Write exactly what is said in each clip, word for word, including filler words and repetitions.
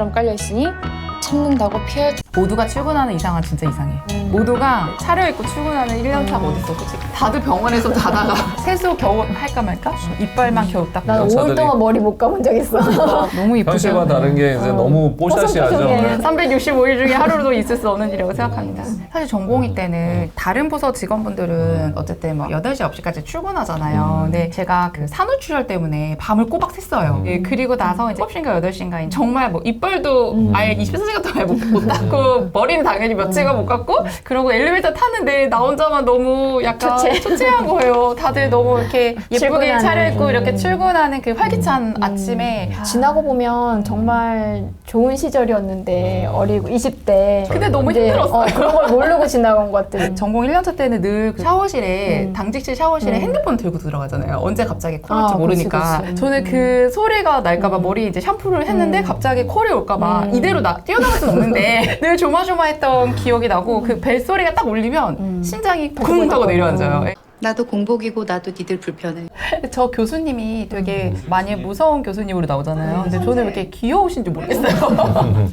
벼슬처럼 깔려있으니 참는다고 피할 줄. 모두가 출근하는 이상은 진짜 이상해. 음. 모두가 차려입고 출근하는 일 년 차가 음. 어딨어 솔직히. 다들 병원에서 자다가 세수 겨우 할까 말까? 이빨만 겨우 닦고. 난 오 일 동안 머리 못 감은 적 있어. 너무 이쁘죠. 현실과 다른 게 이제 어. 너무 뽀샤시하죠. 삼백육십오 일 중에 하루도 있을 수 없는 일이라고 생각합니다. 사실 전공의 때는 다른 부서 직원분들은 어쨌든 뭐 여덟 시, 아홉 시까지 출근하잖아요. 근데 제가 그 산후출혈 때문에 밤을 꼬박 샜어요. 예, 그리고 나서 이제 일곱 시인가 여덟 시인가 정말 뭐 이빨도 아예 이십사 시간 동안 못, 못 닦고 머리는 당연히 며칠간 못 깎고 그러고 엘리베이터 탔는데 나 혼자만 너무 약간 초췌. 초췌한 거예요. 다들 너무 이렇게 예쁘게 출근하는. 차려입고 이렇게 출근하는 그 활기찬 아침에 지나고 보면 정말 좋은 시절이었는데 어리고 이십 대. 근데 너무 이제, 힘들었어요. 어, 그런 걸 모르고 지나간 것들. 전공 일 년 차 때는 늘그 샤워실에 음. 당직실 샤워실에 음. 핸드폰 들고 들어가잖아요. 언제 갑자기 콜 올지 아, 모르니까. 그치, 그치. 저는 그 소리가 날까봐 머리 이제 샴푸를 했는데 음. 갑자기 콜이 올까봐 음. 이대로 나, 뛰어나갈 수는 없는데 늘 조마조마했던 기억이 나고 그 벨소리가 딱 울리면 음. 심장이 쿵 하고 내려앉아요. 나도 공복이고 나도 니들 불편해. 저 교수님이 되게 많이 무서운 교수님으로 나오잖아요. 근데 저는 왜 이렇게 귀여우신지 모르겠어요.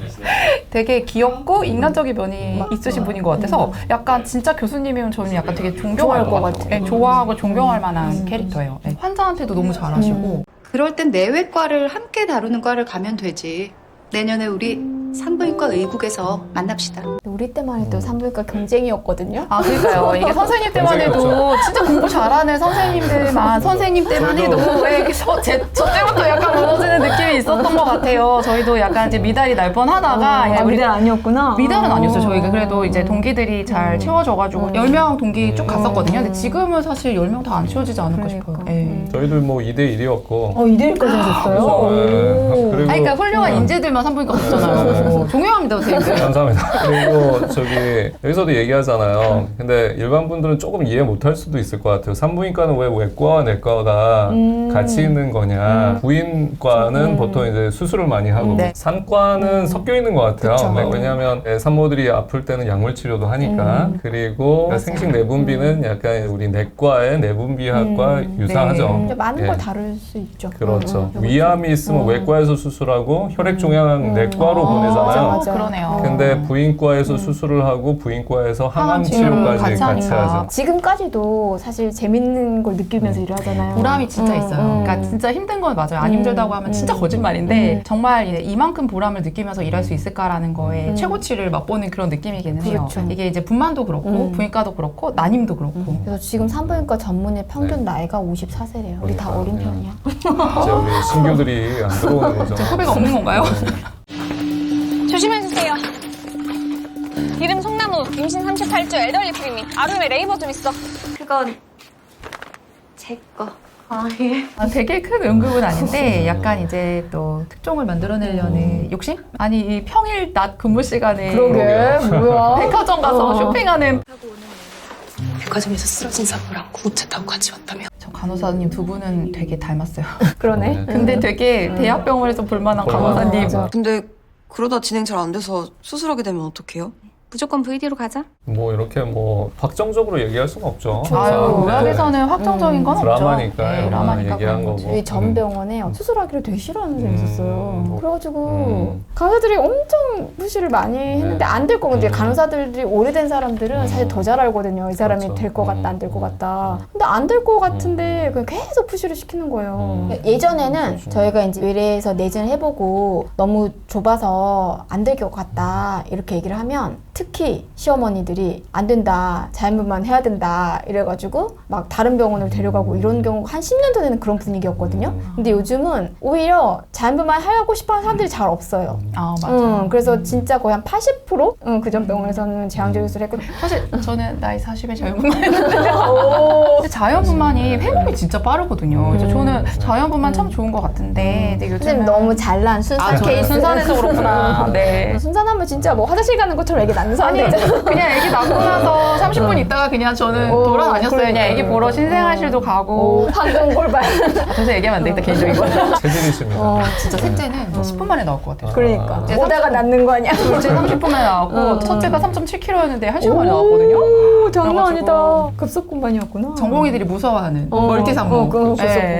되게 귀엽고 인간적인 면이 있으신 분인 것 같아서 약간 진짜 교수님이면 저는 약간 되게 존경할 것 같아요. 네, 좋아하고 존경할 만한 캐릭터예요. 네, 환자한테도 너무 잘하시고. 그럴 땐 내외과를 함께 다루는 과를 가면 되지. 내년에 우리 산부인과 의국에서 만납시다. 우리 때만 해도 산부인과 경쟁이었거든요. 아, 그러니까요. 이게 선생님 때만 해도 진짜 공부 잘하는 선생님들만, 선생님 때만 해도 왜 저, 제, 저 때부터 약간 무너지는 느낌이 있었던 것 같아요. 저희도 약간 이제 미달이 날 뻔 하다가. 아, 우리 미달 아니었구나. 미달은 아. 아니었어요. 저희가 그래도 이제 동기들이 잘 채워져가지고 음. 열 명 동기 쭉 갔었거든요. 근데 음. 지금은 사실 열 명 다 안 채워지지 않을까 그러니까. 싶어요. 예. 저희들 뭐 이 대 일이었고. 어, 이 대 일까지 하셨어요? 그래서, 네. 오. 그리고 아니, 그러니까 훌륭한 인재들만 산부인과 없잖아요. 존경합니다, 선생님들. 감사합니다. 그리고 저기 여기서도 얘기하잖아요. 근데 일반 분들은 조금 이해 못할 수도 있을 것 같아요. 산부인과는 왜 외과와 내과가 음. 같이 있는 거냐. 부인과는 음. 보통 이제 수술을 많이 하고 네. 산과는 섞여 있는 것 같아요. 그쵸. 네, 왜냐하면 산모들이 아플 때는 약물 치료도 하니까. 음. 그리고 맞아요. 생식 내분비는 약간 우리 내과의 내분비학과 음. 유사하죠. 네. 근데 많은 예. 걸 다룰 수 있죠. 그렇죠. 음, 음. 위암이 있으면 음. 외과에서 수술하고 혈액종양 음. 내과로 아, 보내잖아요. 맞아. 그러네요. 근데 부인과에서 수술을 하고 부인과에서 항암 항암 치료까지 치료를 같이, 같이 하니까. 하죠. 지금까지도 사실 재밌는 걸 느끼면서 일을 하잖아요. 보람이 진짜 음, 있어요. 음. 그러니까 진짜 힘든 건 맞아요. 안 음, 힘들다고 하면 진짜 음. 거짓말인데 음. 정말 이제 이만큼 보람을 느끼면서 일할 수 있을까라는 거에 음. 최고치를 맛보는 그런 느낌이기는 해요. 그렇죠. 이게 이제 분만도 그렇고 음. 부인과도 그렇고 난임도 그렇고. 그래서 지금 산부인과 전문의 평균 네. 나이가 오십사 세래요. 우리 다 그러니까요. 어린 네. 편이야. 이제 우리 신규들이 안 들어오는 거죠. 제 후배가 없는 건가요? 조심해주세요. 이름 송나무, 임신 삼십팔 주 엘더리 프리미. 아름에 레이버 좀 있어. 그건 제 거. 아, 예. 아, 되게 큰 응급은 아닌데 약간 이제 또 특종을 만들어내려는 욕심? 아니 이 평일 낮 근무 시간에 그러게, 뭐야. 백화점 가서 어. 쇼핑하는 백화점에서 쓰러진 산모랑 구급차 타고 같이 왔다며. 저 간호사님 두 분은 되게 닮았어요. 그러네. 네. 근데 되게 대학병원에서 볼만한 볼만한 간호사님. 맞아. 근데 그러다 진행 잘 안 돼서 수술하게 되면 어떡해요? 무조건 브이디로 가자. 뭐 이렇게 뭐 확정적으로 얘기할 수는 없죠. 아유, 항상. 네. 의학에서는 확정적인 건 없죠. 드라마니까요. 네, 드라마니까 얘기한 그런 거지. 거고. 저희 전 병원에 수술하기를 되게 싫어하는 사람이 음. 있었어요. 음. 그래가지고 음. 간호사들이 엄청 푸시를 많이 했는데 안 될 거고 이제 음. 간호사들이 오래된 사람들은 음. 사실 더 잘 알거든요. 이 사람이 그렇죠. 될 것 같다, 음. 안 될 것 같다. 근데 안 될 것 같은데 그냥 계속 푸시를 시키는 거예요. 예전에는 그렇죠. 저희가 이제 의뢰해서 내진을 해보고 너무 좁아서 안 될 것 같다 이렇게 얘기를 하면 특히 시어머니들이 안 된다, 자연분만 해야 된다 이래가지고 막 다른 병원을 데려가고 이런 경우가 한 십 년 전에는 그런 분위기였거든요. 근데 요즘은 오히려 자연분만 하고 싶어하는 사람들이 잘 없어요. 아 맞아. 음, 그래서 진짜 거의 한 팔십 퍼센트 음, 그전 병원에서는 제왕적 수술을 했고 사실 저는 나이 사십에 자연분만 했는데요. 근데 자연분만이 회복이 진짜 빠르거든요. 그래서 저는 자연분만 참 좋은 것 같은데 근데 요즘은 선생님 너무 잘난 순산 아, 저는 케이스 순산해서 그렇구나. 네. 순산하면 진짜 뭐 화장실 가는 것처럼 애기 낳는 사람들 아니 있잖아. 그냥 애기 낳고 나서 삼십 분 있다가 그냥 저는 어, 돌아다녔어요. 그러니까. 그냥 애기 보러 신생아실도 오, 가고. 황금 골반. 아, 도저히 얘기하면 안 되겠다 개인적인 거. 체질이십니다. 어, 진짜 셋째는 저 십 분 만에 나올 것 같아요. 그러니까 이제 오다가 삼십 낳는 거 아니야? 둘째 삼십 분 만에 나왔고 어. 첫째가 삼 점 칠 킬로그램였는데 한 시간 만에 나왔거든요. 오, 장난 그래가지고 아니다. 급속 공반이었구나. 전공의들이 무서워하는 어, 멀티 산모. 어, 그거 급속 예. 공반.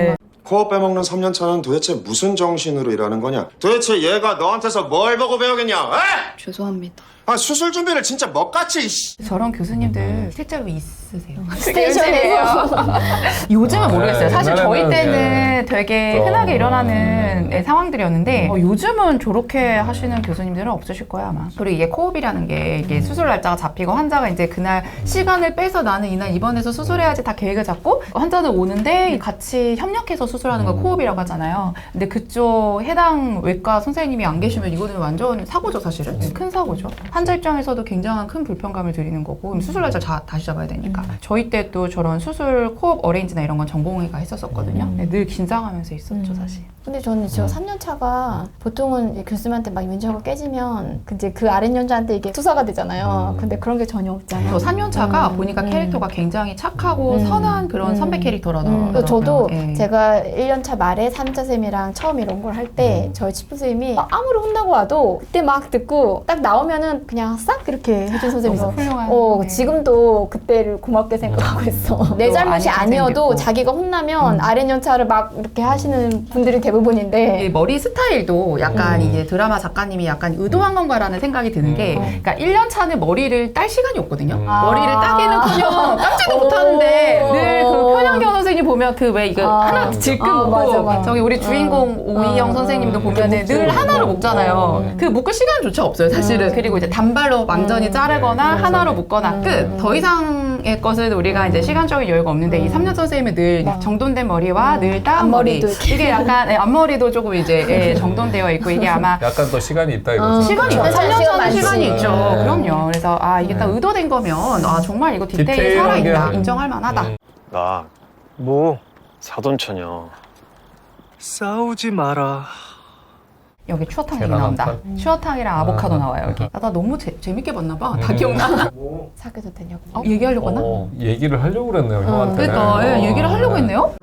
코어 빼먹는 삼 년 차는 도대체 무슨 정신으로 일하는 거냐? 도대체 얘가 너한테서 뭘 보고 배우겠냐? 에? 죄송합니다. 아 수술 준비를 진짜 먹같이 이씨. 저런 교수님들 실제로 있으세요. 스테이션에서. 요즘은 아, 모르겠어요. 네, 사실 저희 옛날에는, 때는 되게 좀, 흔하게 일어나는 음. 예, 상황들이었는데 어, 요즘은 저렇게 하시는 교수님들은 없으실 거야 아마. 그리고 이게 코업이라는 게 이게 음. 수술 날짜가 잡히고 환자가 이제 그날 시간을 빼서 나는 이날 입원해서 수술해야지 다 계획을 잡고 환자는 오는데 같이 협력해서 수술하는 걸 음. 코업이라고 하잖아요. 근데 그쪽 해당 외과 선생님이 안 계시면 이거는 완전 사고죠 사실은. 큰 사고죠. 환자 입장에서도 굉장한 큰 불편감을 드리는 거고 수술 날짜 자, 다시 잡아야 되니까. 저희 때 또 저런 수술 코업 어레인지나 이런 건 전공의가 했었었거든요. 음. 늘 긴장하면서 있었죠 사실. 근데 저는 지금 삼 년 차가 보통은 이제 교수님한테 막 면접을 깨지면 이제 그 아랫 연자한테 이게 투사가 되잖아요. 음. 근데 그런 게 전혀 없잖아요. 저 삼 년 차가 음, 보니까 음. 캐릭터가 굉장히 착하고 음. 선한 그런 음. 선배 캐릭터라더라고요. 음, 그래서 저도 예. 제가 일 년 차 말에 삼 년 차 쌤이랑 처음 이런 걸 할 때 음. 저희 치프 선생님이 막 아무리 혼나고 와도 그때 막 듣고 딱 나오면은 그냥 싹 이렇게 해준 선생님이서 너무 훌륭한. 어, 네. 지금도 그때를 고맙게 생각하고 있어. 내 또 잘못이 아닌 아니어도 선생님도 있고. 자기가 혼나면 음. 아랫 연차를 막 이렇게 하시는 분들이 대부분인데 이 머리 스타일도 약간 음. 이게 드라마 작가님이 약간 의도한 건가라는 생각이 드는 게 음. 그러니까 일 년 차는 머리를 딸 시간이 없거든요. 음. 머리를 따기는커녕 깜짝도 못 하는데 오. 늘 그 편향경 선생님 보면 그 왜 이거 아. 하나 질끈 아, 묶고 맞아, 맞아. 저기 우리 주인공 음. 오이영 음. 선생님도 음. 보면은 늘 묶고 하나로 묶고. 묶잖아요. 음. 그 묶을 시간조차 없어요 사실은. 그리고 이제 단발로 완전히 음. 자르거나 네, 하나로 맞아요. 묶거나 음. 끝. 더 이상의 것은 우리가 이제 시간적인 여유가 없는데 이 삼 년 선생님은 늘 맞아. 정돈된 머리와 늘 따은 머리. 앞머리도 이렇게. 이게 약간 예, 앞머리도 조금 이제 예, 정돈되어 있고 이게 아마 약간 더 시간이 있다 이거죠. 시간이 있고 그렇죠. 삼 년 시간 차는 많지. 시간이 있죠. 네. 그럼요. 그래서 아 이게 딱 의도된 거면 아 정말 이거 디테일이 디테일한 게 살아있다. 음. 인정할 만하다. 음. 나 뭐 사돈처녀. 싸우지 마라. 여기 추어탕이 계란 나온다. 한 판? 추어탕이랑 아보카도 아, 나와요 여기. 아. 아, 나 너무 재, 재밌게 봤나 봐. 다 기억나. 사귀어도 되냐고. 어, 얘기하려고 하나? 어, 얘기를 하려고 그랬네요 형한테. 그러니까 예, 얘기를 하려고 했네요.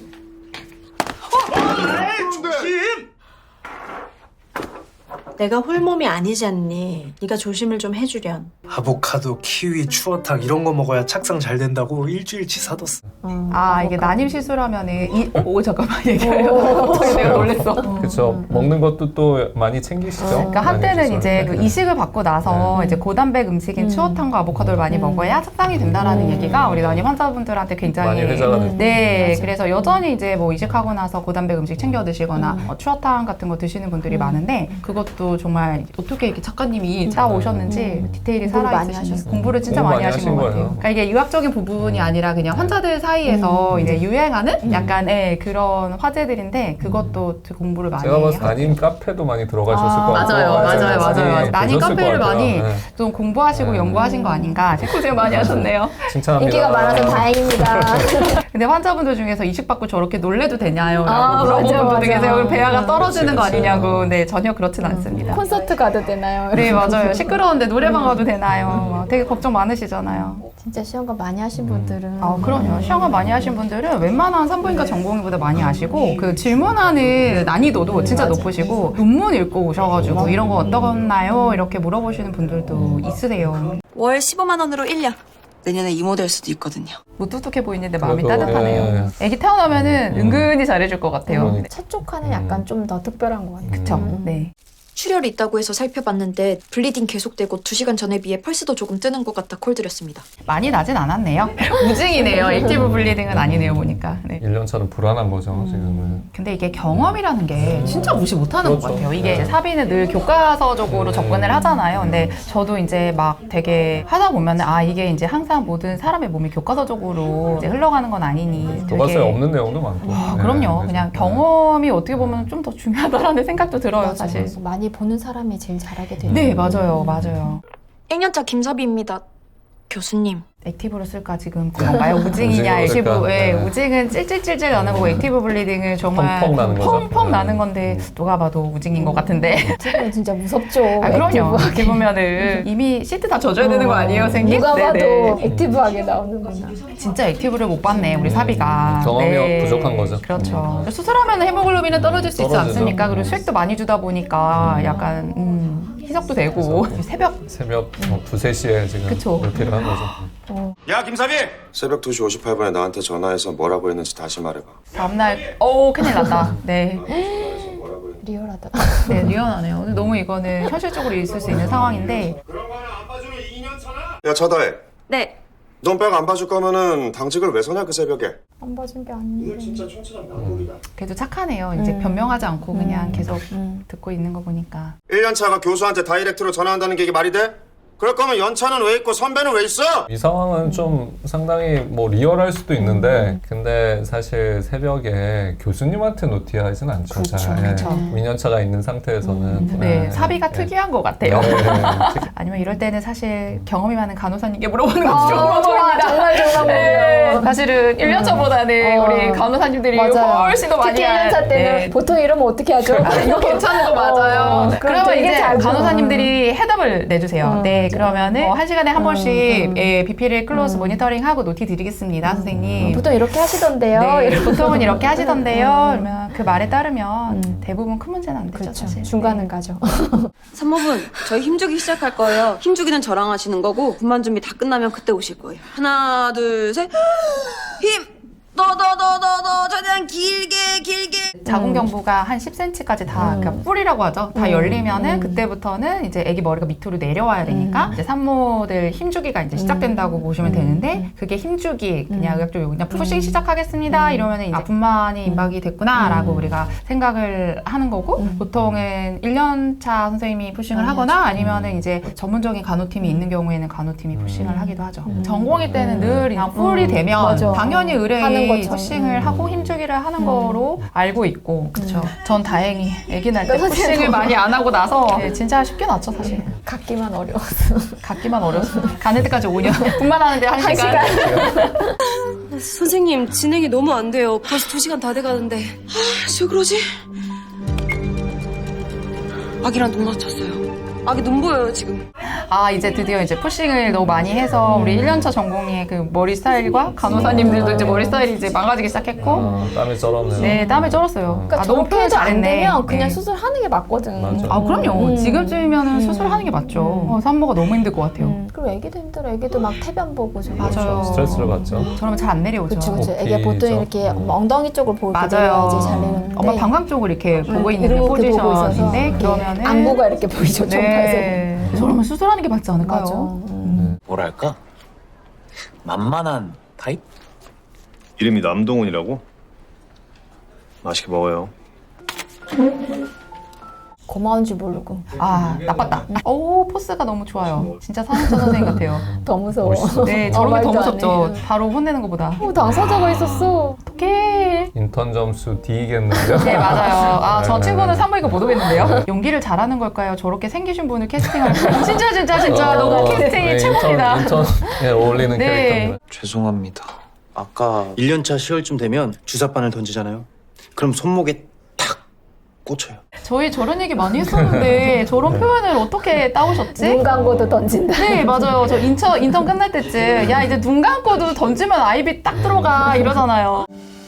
내가 홀몸이 아니지 않니? 네가 조심을 좀 해주련. 아보카도, 키위, 추어탕 이런 거 먹어야 착상 잘 된다고 일주일치 사뒀어. 아 이게 난임 실수라면은 이, 오, 오 잠깐만 얘기하려고 갑자기 내가 놀랬어. 그렇죠. 먹는 것도 또 많이 챙기시죠. 그러니까 많이 한때는 드셔요. 이제 그 이식을 받고 나서 이제 고단백 음식인 음. 추어탕과 아보카도를 많이 음. 먹어야 착상이 된다라는 음. 얘기가 우리 난임 환자분들한테 굉장히 많이 회자가 됐죠. 네, 맞아. 그래서 여전히 이제 뭐 이식하고 나서 고단백 음식 챙겨 드시거나 음. 어, 추어탕 같은 거 드시는 분들이 음. 많은데 그것도 정말 어떻게 이렇게 작가님이 짜 오셨는지 음. 디테일이 공부를 많이 살아있으신 하셨어요. 공부를 진짜 공부 많이 많이 하신 하신 것 같아요. 거예요. 그러니까 이게 유학적인 부분이 아니라 그냥 환자들 사이에서 이제 유행하는 약간의 그런 화제들인데 그것도 공부를 많이 제가 봤을 때 하고. 난임 카페도 많이 들어가셨을 아, 것 같고 맞아요, 맞아요, 맞아요, 맞아요. 많이 난임 보셨을 카페를 것 같아요. 많이 네. 좀 공부하시고 네. 연구하신 거 아닌가. 고생 많이 하셨네요. 칭찬합니다. 인기가 많아서 다행입니다. 근데 환자분들 중에서 이식 받고 저렇게 놀래도 되냐요? 라고 아, 물어보는 맞아, 분들 맞아. 계세요. 그럼 배아가 떨어지는 거 그치, 그치. 아니냐고. 네, 전혀 그렇진 않습니다. 콘서트 가도 되나요? 네, 맞아요. 시끄러운데 노래방 가도 되나요? 막 되게 걱정 많으시잖아요. 진짜 시험관 많이 하신 분들은 아, 그럼요. 시험관 많이 하신 분들은 웬만한 산부인과 전공의보다 많이 아시고 그 질문하는 난이도도 진짜 높으시고 논문 읽고 오셔가지고 이런 거 어떠나요? 이렇게 물어보시는 분들도 있으세요. 월 십오만 원으로 일 년. 내년에 이모 될 수도 있거든요. 무뚝뚝해 보이는데 마음이 그래도, 따뜻하네요. 애기 태어나면은 음. 은근히 잘해줄 것 같아요. 그러니까. 첫 조카는 약간 좀 더 특별한 것 같아요. 그쵸? 음. 네. 출혈이 있다고 해서 살펴봤는데 블리딩 계속되고 두 시간 전에 비해 펄스도 조금 뜨는 것 같아 콜 드렸습니다. 많이 나진 않았네요. 우징이네요. 액티브 블리딩은 아니네요, 보니까. 네. 일 년 차는 불안한 거죠 지금은. 근데 이게 경험이라는 게 진짜 무시 못하는 것 그렇죠. 같아요. 이게 네. 이제 사비는 늘 교과서적으로 음. 접근을 하잖아요. 근데 저도 이제 막 되게 하다 보면 아 이게 이제 항상 모든 사람의 몸이 교과서적으로 이제 흘러가는 건 아니니. 되게 교과서에 없는 내용도 많고. 아, 네, 그럼요. 그래서. 그냥 경험이 어떻게 보면 좀 더 중요하다라는 생각도 들어요, 맞아, 사실. 맞아. 많이 보는 사람이 제일 잘하게 돼요. 네, 맞아요, 맞아요. 일 년차 김사비입니다. 교수님. 액티브로 쓸까 지금 건가요? 우징이냐, 우징으로 액티브. 쓸까? 예, 네. 우징은 찔찔찔찔 나는 거고 액티브 블리딩은 정말 펑펑 나는 거죠. 펑펑 네. 나는 건데 누가 봐도 우징인 것 같은데. 지금 진짜 무섭죠. 아, 그럼요. 액티브하게. 이렇게 보면은 이미 시트 다 젖어야 되는 거 아니에요, 선생님? 누가 봐도 네네. 액티브하게 나오는구나. 진짜 액티브를 못 봤네, 우리 사비가. 음, 경험이 부족한 거죠. 그렇죠. 수술하면 헤모글로빈은 떨어질 수 있지 떨어지죠. 않습니까? 그리고 수액도 많이 주다 보니까 약간 음, 희석도 되고 새벽 새벽 뭐 두세 시에 지금 그쵸. 몰피를 한 거죠. 야 김사비! 새벽 두 시 오십팔 분에 나한테 전화해서 뭐라고 했는지 다시 말해봐. 다음날 오 큰일 났다. 네. 리얼하다. 네, 리얼하네요. 근데 너무 이거는 현실적으로 있을 수 있는 상황인데 그런 거 하나 안 봐주면 이 년 차나? 야 차다혜. 네. 넌 백 안 봐줄 거면은 당직을 왜 서냐 그 새벽에? 안 봐준 게 아닌데. 진짜 촌철한 명곡이다. 그래도 착하네요. 이제 음. 변명하지 않고 그냥 음. 계속 음. 듣고 있는 거 보니까. 일 년 차가 교수한테 다이렉트로 전화한다는 게 이게 말이 돼? 그럴 거면 연차는 왜 있고 선배는 왜 있어? 이 상황은 좀 상당히 뭐 리얼할 수도 있는데 근데 사실 새벽에 교수님한테 노티하진 않죠. 그렇죠, 잘. 그렇죠. 이 년 차가 있는 상태에서는. 네, 사비가 네. 특이한 것 같아요. 네. 아니면 이럴 때는 사실 경험이 많은 간호사님께 물어보는 것도 아, 좋은 방법입니다. 정말 좋은 방법이에요. 사실은 일 년 차보다는 어. 우리 간호사님들이 맞아요. 훨씬 더 많이 특히 일 년 차 알- 때는 네. 보통 이러면 어떻게 하죠? 아, 이거 괜찮은 거 맞아요. 어, 그럼 그러면 되게 이제 잘 간호사님들이 해답을 내주세요. 음. 네, 그러면은 어, 한 시간에 한 음, 번씩 음. 예, 비피를 클로즈 모니터링하고 노티 드리겠습니다, 선생님. 보통 이렇게 하시던데요. 네, 이러면. 보통은 이렇게 하시던데요. 음. 그러면 그 말에 따르면 음. 대부분 큰 문제는 안 되죠, 그렇죠. 사실. 중간은 가죠. 산모분, 저희 힘주기 시작할 거예요. 힘주기는 저랑 하시는 거고 분만 준비 다 끝나면 그때 오실 거예요. 하나, 둘, 셋. 힘! 더, 더, 더, 더, 더, 최대한 길게, 길게. 자궁경부가 한 십 센티미터까지 다 음. 그러니까 뿌리라고 하죠. 다 음. 열리면은 음. 그때부터는 이제 아기 머리가 밑으로 내려와야 되니까 이제 산모들 힘주기가 이제 시작된다고 보시면 음. 되는데 그게 힘주기 그냥 음. 의학적으로 그냥 푸싱 시작하겠습니다 이러면은 이제 아, 분만이 임박이 됐구나라고 음. 우리가 생각을 하는 거고 음. 보통은 일 년 차 선생님이 푸싱을 많이 하거나 하죠. 아니면은 이제 전문적인 간호팀이 있는 경우에는 간호팀이 푸싱을 하기도 하죠. 음. 전공의 때는 음. 늘 그냥 풀이 음. 되면 맞아. 당연히 하는 의뢰인이 것처럼. 푸싱을 음. 하고 힘주기를 하는 음. 거로 알고 있고 그렇죠. 전 다행히 아기 날 때 네, 선생님. 푸싱을 많이 안 하고 나서 네, 진짜 쉽게 났죠 사실. 갖기만 어려웠어. 갖기만 어려웠어. 가는 데까지 오 년. 분만하는데 한 한 시간. 선생님, 진행이 너무 안 돼요. 벌써 두 시간 다 돼가는데. 아, 왜 그러지? 아기랑 눈 맞췄어요. 아기 눈 보여요, 지금. 아 이제 드디어 이제 푸싱을 너무 많이 해서 우리 일 년 차 전공의 그 머리 스타일과 간호사님들도 이제 머리 스타일이 이제 망가지기 시작했고 아, 땀이 쩔었네요. 네 땀이 쩔었어요. 그러니까 아, 너무 표현 저렇게도 안 잘했네. 되면 그냥 네. 수술하는 게 맞거든. 맞아. 아 그럼요. 음. 지금쯤이면은 음. 수술하는 게 맞죠. 어, 산모가 너무 힘들 것 같아요. 음. 그리고 애기도 힘들어. 애기도 막 태변 보고 저거. 맞아요. 스트레스를 받죠. 저러면 잘 안 내려오죠. 그렇죠, 그렇죠. 어깨 애기가 보통 있죠. 이렇게 음. 엉덩이 쪽을 보고 맞아요. 내려야지 잘 내려오는데. 엄마 방광 쪽을 이렇게 보고 있는 그 이렇게 보고 있어서 포지션인데 이렇게 그러면은 안구가 이렇게 보이죠. 네. 저러면 수술하는 게 맞지 않을까요? 맞아. 음. 뭐랄까? 만만한 타입? 이름이 남동훈이라고? 맛있게 먹어요. 고마운 줄 모르고 아 나빴다. 오 포스가 너무 좋아요. 진짜 산후조 선생님 같아요. 더 무서워. 멋있어. 네 어, 저런 게 더 말도 안 무섭죠. 해. 바로 혼내는 것보다. 어, 당사자가 있었어. 어떡해. 인턴 점수 D겠는데요? 네 맞아요. 아 저 네, 친구는 네. 산부인과 못 오겠는데요. 연기를 잘하는 걸까요? 저렇게 생기신 분을 캐스팅할 거. 진짜 진짜 진짜 어, 너무 캐스팅이 네, 최고입니다. 인턴, 인턴에 어울리는 네. 캐릭터입니다. 죄송합니다. 아까 일 년 차 시월쯤 되면 주사바늘 던지잖아요. 그럼 손목에 탁 꽂혀요. 저희 저런 얘기 많이 했었는데 저런 표현을 어떻게 따오셨지? 눈 감고도 던진다. 네 맞아요. 저 인턴 인턴 끝날 때쯤 야 이제 눈 감고도 던지면 아이비 딱 들어가 이러잖아요.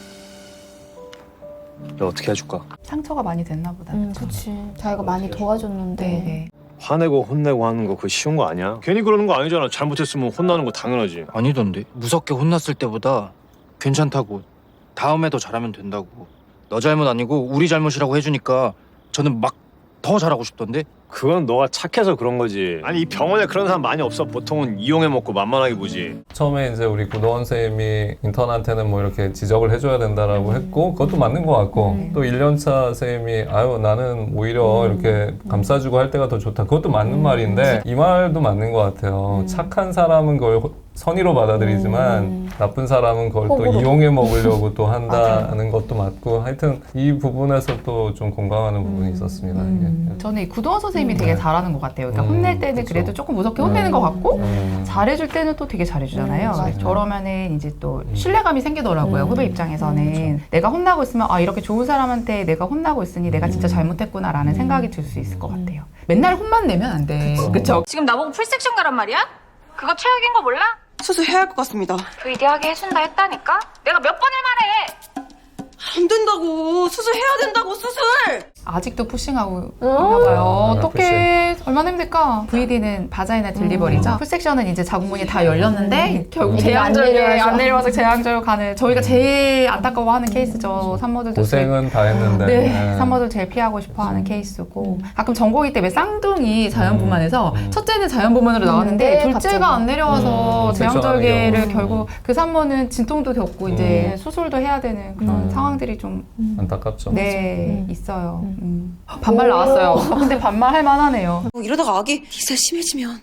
너 어떻게 해줄까? 상처가 많이 됐나 보다. 음, 그치. 자기가 많이 도와줬는데. 네네. 화내고 혼내고 하는 거 그거 쉬운 거 아니야? 괜히 그러는 거 아니잖아. 잘못했으면 혼나는 거 당연하지. 아니던데. 무섭게 혼났을 때보다 괜찮다고. 다음에 더 잘하면 된다고. 너 잘못 아니고 우리 잘못이라고 해주니까 저는 막 더 잘하고 싶던데. 그건 너가 착해서 그런 거지. 아니 이 병원에 그런 사람 많이 없어. 보통은 이용해 먹고 만만하게 보지. 처음에 이제 우리 구도원 선생님이 인턴한테는 뭐 이렇게 지적을 해줘야 된다라고 했고 그것도 맞는 것 같고 음. 또 일 년 차 선생님이 아유 나는 오히려 음. 이렇게 감싸주고 할 때가 더 좋다 그것도 맞는 음. 말인데 이 말도 맞는 것 같아요. 음. 착한 사람은 그걸 호- 선의로 받아들이지만 음. 나쁜 사람은 그걸 또 호구로. 이용해 먹으려고 또 한다는 것도 맞고 하여튼 이 부분에서 또 좀 공감하는 부분이 있었습니다. 음. 이게. 저는 이 구도원 선생님이 되게 잘하는 것 같아요. 그러니까 음, 혼낼 때는 그쵸. 그래도 조금 무섭게 혼내는 것 같고 음. 잘해줄 때는 또 되게 잘해주잖아요. 음, 맞아요. 저러면은 이제 또 신뢰감이 생기더라고요. 음. 후배 입장에서는 내가 혼나고 있으면 아 이렇게 좋은 사람한테 내가 혼나고 있으니 내가 진짜 잘못했구나라는 생각이 들 수 있을 것 같아요. 맨날 혼만 내면 안 돼. 그쵸? 지금 나보고 풀섹션 가란 말이야? 그거 최악인 거 몰라? 수술해야 할 것 같습니다. 브이디하게 해준다 했다니까? 내가 몇 번을 말해! 안 된다고. 수술해야 된다고, 수술! 아직도 푸싱하고 어? 있나 봐요. 음, 어떻게 얼마나 힘들까? 브이디는 바자이나 딜리버리죠. 음. 풀섹션은 이제 자궁문이 다 열렸는데 결국 안 제왕절개 내려와서. 안 내려와서 제왕절 가는 저희가 제일 안타까워하는 케이스죠. 산모들도 고생은 다 했는데. 네, 네. 산모들 제일 피하고 싶어하는 케이스고 가끔 전공의 때 왜 쌍둥이 자연분만해서 음. 첫째는 자연분만으로 나왔는데 네, 둘째가 갑자기. 안 내려와서 음, 제왕절개를 섹션하는 경우. 결국 그 산모는 진통도 겪고 이제 음. 수술도 해야 되는 그런 음. 상황들이 좀 안타깝죠. 네, 음. 있어요. 음. 반말 나왔어요. 아, 근데 반말 할 만하네요. 뭐 이러다가 아기 기세 심해지면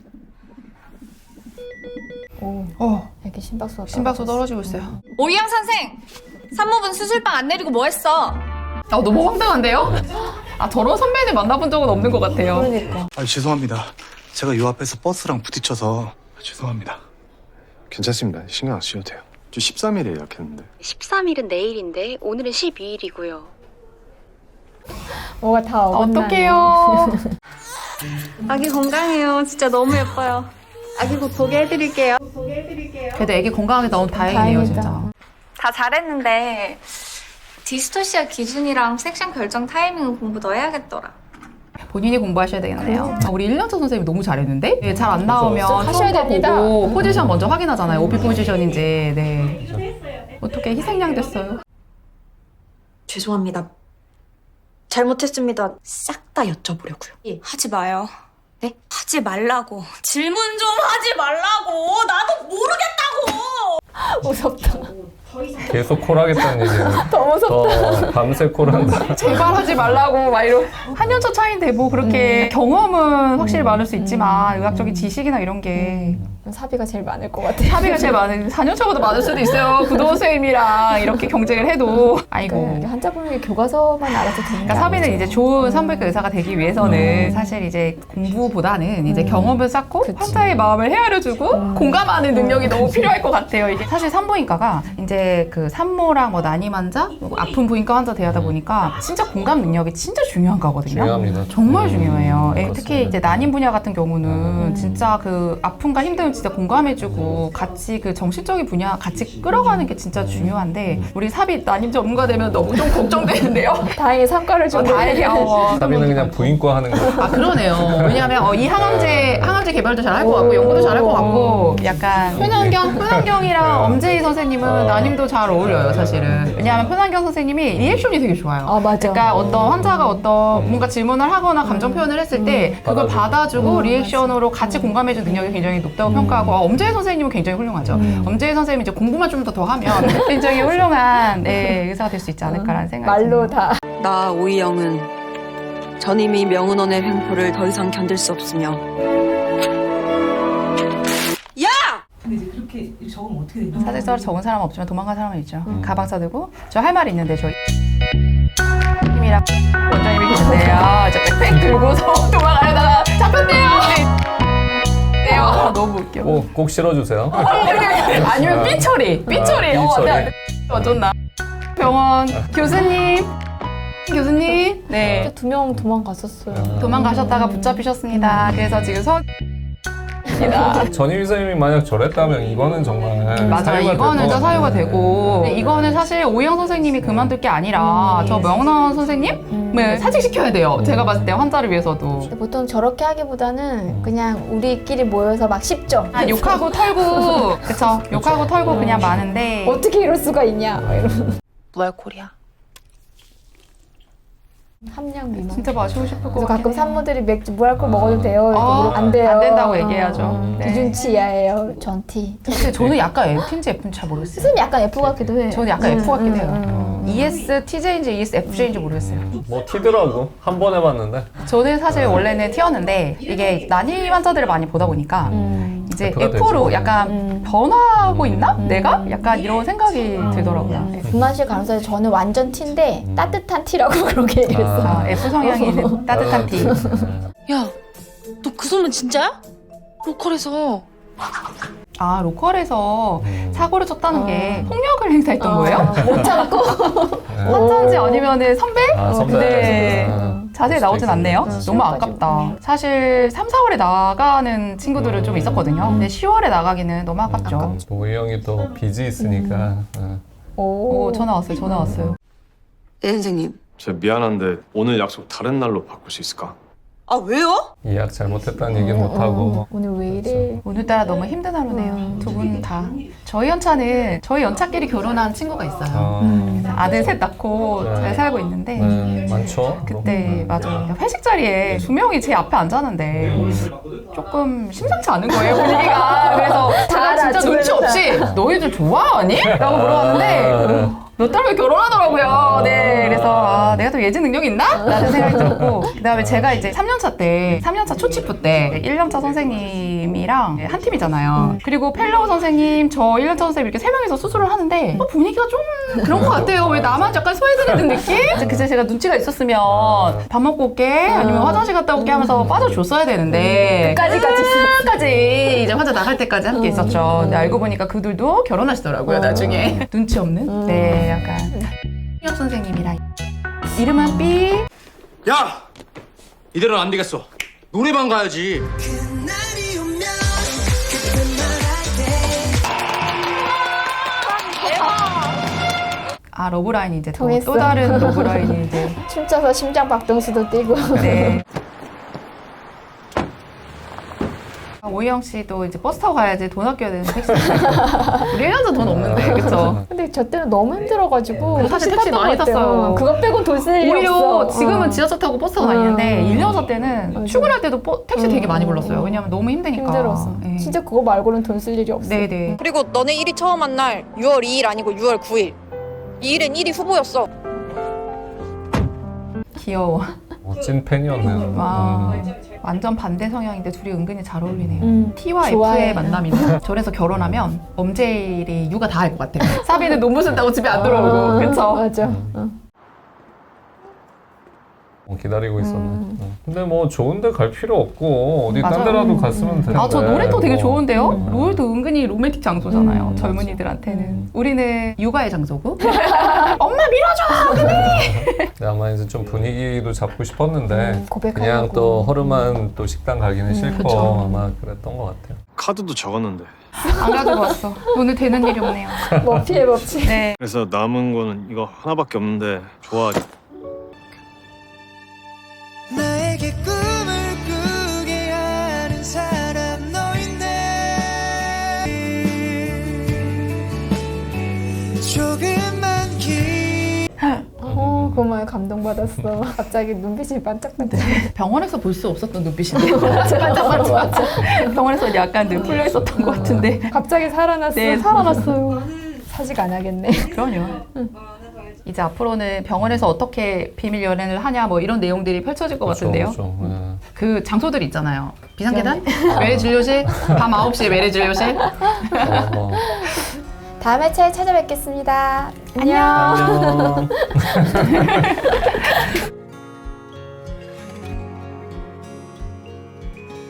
오, 어, 이렇게 심박수가 심박수 떨어지고 있어요. 오이영 선생! 산모분 수술방 안 내리고 뭐 했어? 아, 너무 황당한데요? 아, 저런 선배를 만나본 적은 없는 것 같아요. 그러니까. 아, 죄송합니다. 제가 요 앞에서 버스랑 부딪혀서 죄송합니다. 괜찮습니다. 신경 안 쓰셔도 돼요. 저 십삼 일에 예약했는데. 십삼 일은 내일인데 오늘은 십이 일이고요. 뭐가 다 어긋나네. 어떡해요. 아기 건강해요. 진짜 너무 예뻐요. 아기 곧 보게 해드릴게요. 그래도 애기 건강하게 나온 다행이네요, 다행이다. 진짜. 다 잘했는데 디스토시아 기준이랑 섹션 결정 타이밍은 공부 더 해야겠더라. 본인이 공부하셔야 되겠네요. 아, 우리 일 년차 선생님이 너무 잘했는데 네, 잘 안 나오면 하셔야 처음부터 됩니다. 보고 포지션 먼저 확인하잖아요. 오피 포지션인지. 네. 어떻게 희생양 됐어요? 죄송합니다. 잘못했습니다. 싹 다 여쭤보려고요. 하지 마요. 네? 하지 말라고. 질문 좀 하지 말라고. 나도 모르겠다고. 무섭다. 계속 콜하겠다는 얘기예요. 더 무섭다. 더 밤새 콜한다. 제발 하지 말라고 막 이러. 한 년 차 차이인데 뭐 그렇게 경험은 확실히 많을 수 있지만 의학적인 지식이나 이런 게 사비가 제일 많을 것 같아요. 사비가 제일 많은 사 년 차보다 많을 수도 있어요. 구도 선생님이랑 이렇게 경쟁을 해도 아이고. 그 환자분에게 교과서만 알아서 되는 그러니까 사비는 이제 좋은 산부인과 의사가 되기 위해서는 사실 이제 공부보다는 이제 경험을 쌓고 그치. 환자의 마음을 헤아려주고 공감하는 능력이 너무 필요할 것 같아요. 이게 사실 산부인과가 이제 그 산모랑 뭐 난임 환자, 그리고 아픈 부인과 환자 대하다 보니까 진짜 공감 능력이 진짜 중요한 거거든요. 중요합니다. 정말 음, 중요해요. 예, 특히 그렇습니다. 이제 난임 분야 같은 경우는 진짜 그 아픔과 힘듦을 진짜 공감해주고 같이 그 정신적인 분야 같이 끌어가는 게 진짜 중요한데 우리 사비 난임 전문가 되면 너무 좀 걱정되는데요. 다행히 상과를 좀 어, 다행이에요. 사비는 그냥 부인과 하는 거. 아 그러네요. 왜냐하면 어, 이 항암제 항암제 개발도 잘할 것 같고 연구도 잘할 것 같고 약간 표난경 표난경이랑 엄재희 선생님은 난임도 잘 어울려요 사실은. 왜냐하면 표난경 선생님이 리액션이 되게 좋아요. 아 맞아. 그러니까 어떤 환자가 어떤 뭔가 질문을 하거나 감정 표현을 했을 때 그걸 받아주고. 받아주고 리액션으로 같이 공감해주는 능력이 굉장히 높다고 평가하고 아, 엄재희 선생님은 굉장히 훌륭하죠. 엄재희 선생님이 이제 공부만 좀 더 더 하면 굉장히 훌륭한 네, 의사가 될 수 있지 않을까라는 생각이 말로 드네요. 다. 나 오이영은 전임이 명은원의 횡포를 더 이상 견딜 수 없으며 야! 사직서를 적은 사람은 없지만 도망간 사람은 있죠. 가방 싸들고 저 할 말이 있는데 저희 님이랑 원장님이 계신데요. 저 백팩 들고서 도망가려다가 잡혔대요. 네. 아, 너무 웃겨. 꼭, 꼭 실어주세요. 아니면 삐처리, 삐처리. 아, 어, 삐처리. 네. 어쩐나. 병원 교수님, 교수님, 네. 두 명 도망갔었어요. 도망가셨다가 붙잡히셨습니다. 그래서 지금 선. 전임 선생님이 만약 저랬다면 이거는 정말 맞아요. 사유가 이거는 될 진짜 것 사유가 같아요. 되고 근데 이거는 사실 오이영 선생님이 그만둘 게 아니라 저 명원 선생님을 사직시켜야 돼요. 제가 봤을 때 환자를 위해서도. 근데 보통 저렇게 하기보다는 그냥 우리끼리 모여서 막 씹죠. 아, 욕하고 털고 그쵸. 욕하고 털고 그냥 많은데 어떻게 이럴 수가 있냐. 막 이러면서. 무알콜이야. 함량 미만. 진짜 마시고 싶을 것 그래서 같긴 가끔 해요. 산모들이 맥주 무알콜 먹어도 돼요. 이렇게 아, 물어보면 안 돼요. 안 된다고 어, 얘기해야죠. 어, 네. 기준치 이하예요. 전티. 근데 저는 약간 F인지 F인지 잘 모르겠어요. 스승이 약간 F 같기도 해. 저는 약간 음, F 같긴 음, 해요. 음. 이에스 티제이인지 이에스 에프제이인지 모르겠어요. 뭐 티더라고. 한 번 해봤는데. 저는 사실 원래는 T였는데 이게 난임 환자들을 많이 보다 보니까 음. 이제 F가 F로 되죠. 약간 음. 변하고 있나? 내가? 약간 이런 생각이 들더라고요. 네. 분만실 간호사에 저는 완전 T인데 따뜻한 T라고 그렇게 얘기했어요. 아, F 성향이 있는 따뜻한 T. 야, 너 그 소문 진짜야? 로컬에서. 아, 로컬에서 음. 사고를 쳤다는 어. 게 폭력을 행사했던 거예요? 못 참고. 환자인지 아니면 선배? 아, 선배. 네. 아, 자세히 나오진 않네요. 너무 시험까지. 아깝다. 사실 삼, 사월에 나가는 친구들은 좀 있었거든요. 근데 시월에 나가기는 너무 아깝죠. 오이 형이 또 빚이 있으니까. 어. 오. 오, 전화 왔어요. 전화 왔어요. 예 선생님 저 미안한데 오늘 약속 다른 날로 바꿀 수 있을까? 아 왜요? 예약 잘못했다는 얘기는 못하고. 오늘 왜 이래? 오늘따라 너무 힘든 하루네요. 두 분 다. 저희 연차는 저희 연차끼리 결혼한 친구가 있어요. 아, 음, 아들 셋 낳고 네. 잘 살고 있는데 네, 많죠. 그때 맞아요. 회식 자리에 두 명이 제 앞에 앉았는데 조금 심상치 않은 거예요 분위기가. 그래서 제가 진짜 눈치 없이 너희들 좋아하니? 라고 물어봤는데 몇 달 후에 결혼하더라고요. 네, 그래서 아, 내가 또 예지 능력이 있나? 라는 생각이 들었고 그 다음에 제가 이제 삼 년차 때 삼 년차 초치프 때 일 년차 선생님이랑 한 팀이잖아요. 그리고 펠로우 선생님, 저 일 년차 선생님 이렇게 세 명이서 수술을 하는데 어, 분위기가 좀 그런 것 같아요. 왜 나만 약간 소외되는 느낌? 그때 제가 눈치가 있었으면 밥 먹고 올게 아니면 화장실 갔다 올게 하면서 빠져줬어야 되는데 끝까지 같이 있었어. 끝까지 이제 환자 나갈 때까지 함께 있었죠. 근데 알고 보니까 그들도 결혼하시더라고요 나중에. 눈치 없는? 네, 약간 혁 선생님이랑 이름은 삐. 야! 이대로는 안 되겠어. 노래방 가야지. 아, 러브라인이 이제 또, 통했어. 또 다른 러브라인이 이제 춤춰서 심장 박동수도 뛰고. 네. 오희영 씨도 이제 버스 타고 가야지 돈 아껴야 되는 택시. 우리 일 년 전 돈 없는데, 그쵸? 근데 저 때는 너무 힘들어가지고 사실 택시 택시 탔던 많이 것 같아요. 탔어요. 그거 빼곤 돈 쓸 일이 오히려 없어. 지금은 어. 지하철 타고 버스 타고 어. 다니는데 일 년차 때는 맞아. 출근할 때도 버- 택시 되게 음. 많이 불렀어요. 왜냐면 너무 힘드니까. 힘들었어. 네. 진짜 그거 말고는 돈 쓸 일이 없어. 네네. 그리고 너네 일이 처음 한 날 유월 이일 아니고 유월 구일. 이 일엔 일이 후보였어. 귀여워. 어, 찐 팬이었네요. 와. 음. 완전 반대 성향인데 둘이 은근히 잘 어울리네요. 음, T와 좋아해. F의 만남이네. 저래서 결혼하면 엄제일이 육아 다 할 것 같아요. 사비는 논문 쓴다고 집에 안 들어오고. 그쵸? 맞아. 어. 어, 기다리고 있었네. 어. 근데 뭐 좋은데 갈 필요 없고 어디 딴 맞아요. 데라도 갔으면 되는데. 아, 저 놀이터 되게 뭐. 좋은데요? 음. 롤도 은근히 로맨틱 장소잖아요. 음, 젊은이들한테는. 우리는 육아의 장소고. 엄마 밀어줘! 그래! 근데 아마 이제 좀 분위기도 잡고 싶었는데 음, 고백하려고. 그냥 또 허름한 또 식당 가기는 싫고 그쵸. 아마 그랬던 것 같아요. 카드도 적었는데. 안 가지고 왔어. 오늘 되는 일이 없네요. 머피의 법칙. 네. 그래서 남은 거는 이거 하나밖에 없는데 좋아하지. 나에게 꿈을 꾸게 하는 사람 너인데 조금만 기 어, 그 말 감동받았어. 갑자기 눈빛이 반짝반짝. 병원에서 볼 수 없었던 눈빛인데. 맞아, 맞아, 맞아. 병원에서 약간 늘 풀려 있었던 것 같은데. 갑자기 살아났어. 네, 살아났어요. 사직 안 하겠네. 그럼요. 이제 앞으로는 병원에서 어떻게 비밀 연애를 하냐 뭐 이런 내용들이 펼쳐질 것 그렇죠, 같은데요. 그렇죠. 네. 그 장소들 있잖아요. 비상계단, 외래 진료실, 밤 아홉 시에 외래 진료실. 어, 어. 다음 회차에 찾아뵙겠습니다. 안녕. 안녕.